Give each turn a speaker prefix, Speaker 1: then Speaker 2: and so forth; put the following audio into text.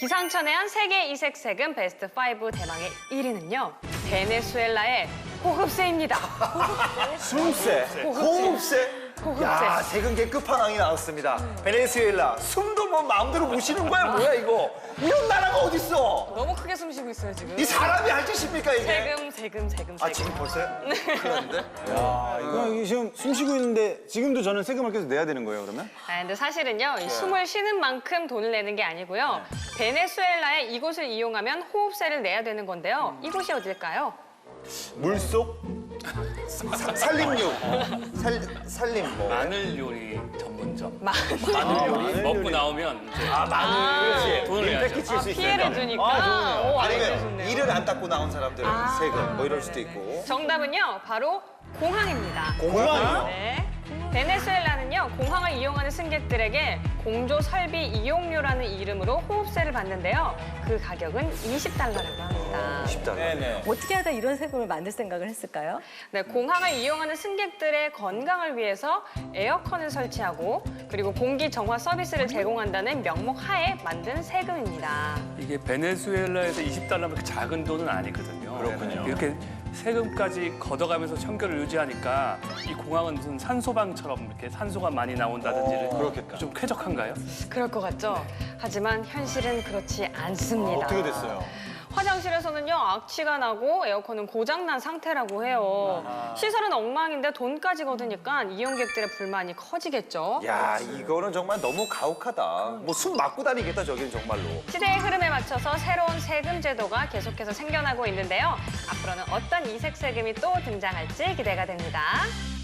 Speaker 1: 기상천외한 세계 이색 세금 베스트 5 대망의 1위는요. 베네수엘라의 호흡세입니다.
Speaker 2: 숨세, 호흡세. 야, 세금계 끝판왕이 나왔습니다. 베네수엘라, 숨도 뭐 마음대로 못 쉬는 거야, 뭐야 이거? 이런 나라가 어딨어?
Speaker 1: 너무 크게 숨 쉬고 있어요, 지금.
Speaker 2: 이 사람이 할 짓입니까 이게?
Speaker 1: 세금.
Speaker 2: 아, 지금 벌써요? 큰일 났는데?
Speaker 3: 야, 이거 지금 숨 쉬고 있는데 지금도 저는 세금을 계속 내야 되는 거예요, 그러면?
Speaker 1: 아, 근데 사실은요, 이 숨을 쉬는 만큼 돈을 내는 게 아니고요. 베네수엘라의 이곳을 이용하면 호흡세를 내야 되는 건데요. 이곳이 어딜까요?
Speaker 2: 물속? 산림육. 산림 뭐.
Speaker 4: 마늘 요리 전문점.
Speaker 1: 마늘
Speaker 2: 요리?
Speaker 4: 먹고 나오면 이제
Speaker 2: 마늘. 그렇지.
Speaker 4: 돈을
Speaker 2: 임팩
Speaker 4: 내야죠.
Speaker 2: 끼칠 수 있으니까.
Speaker 1: 피해를 주니까. 오,
Speaker 2: 아니,
Speaker 1: 알고
Speaker 2: 그
Speaker 1: 계셨네요.
Speaker 2: 이를 안 닦고 나온 사람들은 세금 뭐 이럴 수도 있고.
Speaker 1: 정답은요, 바로 공항입니다.
Speaker 2: 공항이요?
Speaker 1: 네. 베네수엘라는요, 공항을 이용하는 승객들에게 공조 설비 이용료라는 이름으로 호흡세를 받는데요. 그 가격은 20달러라고 합니다.
Speaker 2: 10달러. 네네.
Speaker 5: 어떻게 하다 이런 세금을 만들 생각을 했을까요?
Speaker 1: 네, 공항을 이용하는 승객들의 건강을 위해서 에어컨을 설치하고 그리고 공기 정화 서비스를 제공한다는 명목 하에 만든 세금입니다.
Speaker 4: 이게 베네수엘라에서 20달러면 그렇게 작은 돈은 아니거든요.
Speaker 2: 그렇군요.
Speaker 4: 이렇게 세금까지 걷어가면서 청결을 유지하니까 이 공항은 무슨 산소방처럼 이렇게 산소가 많이 나온다든지
Speaker 2: 그렇겠다.
Speaker 4: 좀 쾌적한가요?
Speaker 1: 그럴 것 같죠? 하지만 현실은 그렇지 않습니다.
Speaker 3: 어떻게 됐어요?
Speaker 1: 화장실에서는요, 악취가 나고 에어컨은 고장난 상태라고 해요. 시설은 엉망인데 돈까지 거두니까 이용객들의 불만이 커지겠죠.
Speaker 2: 야, 이거는 정말 너무 가혹하다. 뭐 숨 막고 다니겠다, 저기는 정말로.
Speaker 1: 시대의 흐름에 맞춰서 새로운 세금 제도가 계속해서 생겨나고 있는데요. 앞으로는 어떤 이색 세금이 또 등장할지 기대가 됩니다.